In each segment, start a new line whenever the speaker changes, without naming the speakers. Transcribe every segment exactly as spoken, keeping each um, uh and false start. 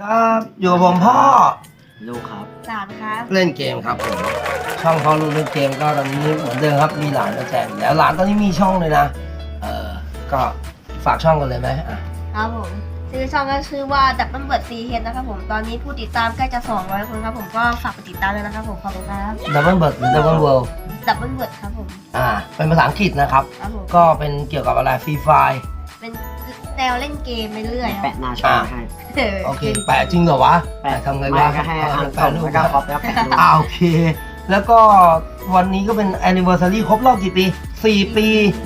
ครับอยู่กับผมพ่อ
ลูกครับ
หลานครับ
เล่นเกมครับผมช่องพ่อลูกเล่นเกมก็ตอนนี้เหมือนเดิมครับมีหลานมาแจกอยู่แล้วหลานตอนนี้มีช่องเลยนะเออก็ฝากช่องกันเลยไหมอ่ะ
ครับผมชื่อช่องก็ชื่อว่าดับเบิลเบิร์ดซีเฮดนะครับผมตอนนี้ผู้ติดตามใกล้จะสองร้อยคนครับผมก็ฝากไปติดตามด้วยนะครับผมขอบคุณครับ
ดับเบิลเบิร์ดหรือดับเบิลเวิลด์
ดับเบิลเบิร์ดครับผม
อ่าเป็นภาษาอังกฤษนะครับก็เป็นเกี่ยวกับอะไรฟรีไฟ
เป็นแนวเล่นเกมไปเรื่อย
แปะหน้าช่องให้
โอเคแปะจริงเหรอวะแปะทำไงวะ
ก็ให้อ่านแปะรูปแล้วก็ครอบแล้วแปะรูป
อ่าโอเคแล้วก็วันนี้ก็เป็น anniversary ครบรอบกี่ปีสี่ปี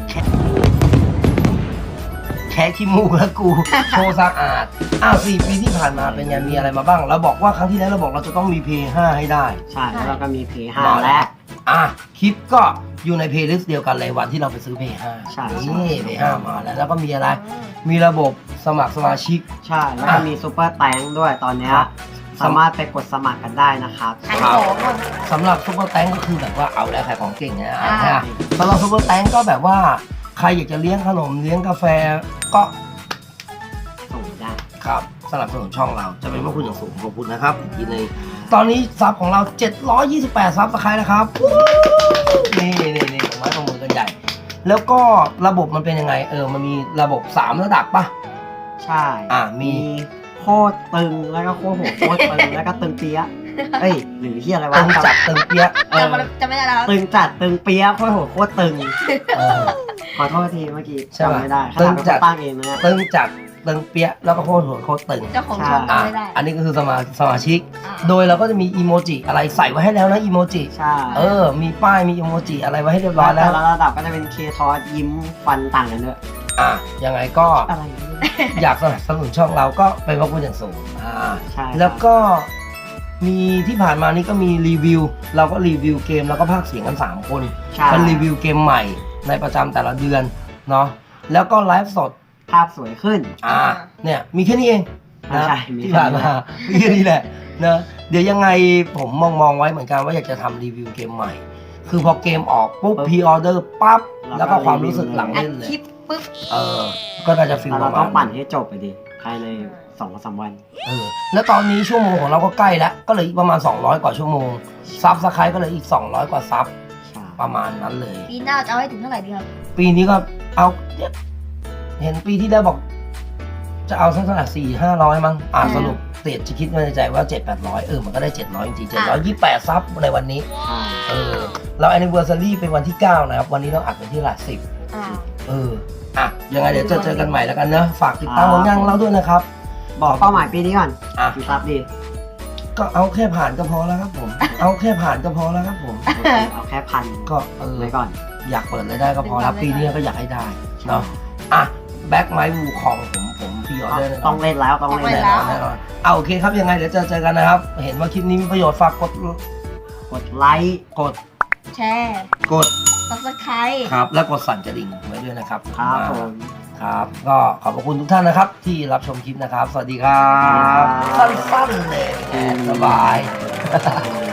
แค่ขี้มูกแล้วกูโชว์สะอาดอ้าวสี่ปีที่ผ่านมาเป็นไงมีอะไรมาบ้างเราบอกว่าครั้งที่แล้วเราบอกเราจะต้องมี เพย์ ห้า ให้ได้
ใช่แล้วก็มี เพย์ ห้า และ
อ่ะคลิปก็อยู่ในเพลย์ลิสต์เดียวกันเลยวันที่เราไปซื้อ เพย์ ห้า
ใช่
นี่ เพย์ ห้า มาแล้วแล้วก็มีอะไรมีระบบสมัครสมาชิก
ใช่แล้วก็มีซูเปอร์แตงด้วยตอนนี้สามารถไปกดสมัครกันได้นะครับ
ครับสำหรับซูเปอร์แตงก็คือแบบว่าเอาแล้วขายของเก่งนะสำหรับซูเปอร์แตงก็แบบว่าใครอยากจะเลี้ยงขนมเลี้ยงกาแฟก็
ส่งได้
ครับสนับสนุนช่องเราจะเป็นพระคุณอย่างสูงขอบคุณนะครับอีกทีนึงตอนนี้ซับของเราเจ็ดร้อยยี่สิบแปดซับสไครต์นะครับนี่นี่นี่ผมไว้ตรงมือกันใหญ่แล้วก็ระบบมันเป็นยังไงเออมันมีระบบสามระดับป่ะ
ใช่
อ่ามี
โคตรตึงแล้วก็โคตรโหดโคตรตึงแล้วก็ตึงเปี้ยเอ้ยหรือที่อะไรวะ
ตึงจัดตึงเปี้ย
จะไม่ได้แล้ว
ตึงจัดตึงเปี้ยโคตรโหดโคตรตึงขอโทษทีเมื่อกี้จำไม่ได้
ตึงจัด
ตั้งเองนะ
ตึงจัดตึงเปี้ยแล้วก็โคตรโหดโคตรตึง
เจ้าของช่องไม่ได้
อันนี้ก็คือสมาสมาชิกโดยเราก็จะมีอีโมจิอะไรใส่ไว้ให้แล้วนะอีโมจิ
ใช่
เออมีป้ายมีอีโมจิอะไรไว้ให้เรียบร้อยแล้ว
แต่ละระดับก็จะเป็นเคทอสยิ้มฟันต่างกันด้วย
อ่ะยังไงก็
อะไร
อยากสนับสนุนช่องเราก็เป็นพระคุณอย่างสูงอ่า
ใช่
แล้วก็มีที่ผ่านมานี่ก็มีรีวิวเราก็รีวิวเกมแล้วก็พากย์เสียงกันสามคนเป็นรีวิวเกมใหม่ในประจำแต่ละเดือนเนาะแล้วก็ไลฟ์สด
ภาพสวยขึ้น
อ่าเนี่ยมีแค่นี้เองนะที่ผ่านมามีแค่นี้แหละนะเดี๋ยวยังไงผมมองมองไว้เหมือนกันว่าอยากจะทำรีวิวเกมใหม่คือพอเกมออกปุ๊บพรีออเดอร์ปั๊บแล้วก็ความรู้สึกหลังเล่นเลย
ปุ๊บ
เออก็น่าจะฟิลประมาณ
เราต้องปั่นให้จบไปดิภายในสองสามวัน
เออแล้วตอนนี้ชั่วโมงของเราก็ใกล้แล้วก็เลยอีกประมาณสองร้อยกว่าชั่วโมงซับสไครต์ก็เลยอีกสองร้อยกว่าซับประมาณนั้นเลย
ปีหน้าจะเอาให้ถึงเท่าไหร่ดีครับ
ปีนี้ก็เอาเห็นปีที่แล้วบอกจะเอาสักเท่าไหร่สี่ห้าร้อยมั้งอ่าสรุปเตะจะคิดในใจว่าเจ็ดแปดร้อยเออมันก็ได้เจ็ดร้อยจริงๆเจ็ดร้อยยี่สิบแปดซับในวันนี้เออเราแอนนิเวอร์ซารีเป็นวันที่เก้านะครับวันนี้เราอัดเป็นที่หลักสิบเอออ่ะยังไงเดี๋ยวจะเจอกันใหม่แล้วกันเนอะฝากติดตามผลงานเราด้วยนะครับ
บอกเป้าหมายปีนี้ก่อน
อ่ะ
กี่ซับดี
ก็เอาแค่ผ่านก็พอแล้วครับผมเอาแค่ผ่านก็พอแล้วครับผม
เอาแค่พัน
ก็เออ
ไว้ก่อน
อยากเปิดเลยได้ก็พอแล้วปีนี้ก็อยากให้ได้เนาะอ่ะแบ็คไมค์วูคองผมผมพี่ออเดอร์
ต้องเล่นแล้วต้องเล่น
แล้วแน่นอนเอาโอเคครับยังไงเดี๋ยวเจอเจอกันนะครับเห็นว่าคลิปนี้มีประโยชน์ฝากกด
กดไลค์
กด
แชร์
กด
ซับสไครบ์
ครับแล้วกดสั่นกระดิ่งไว้ด้วยนะครับ
ครับผม
ครับก็ขอบพระคุณทุกท่านนะครับที่รับชมคลิปนะครับสวัสดีครับสั้นๆเลยสบาย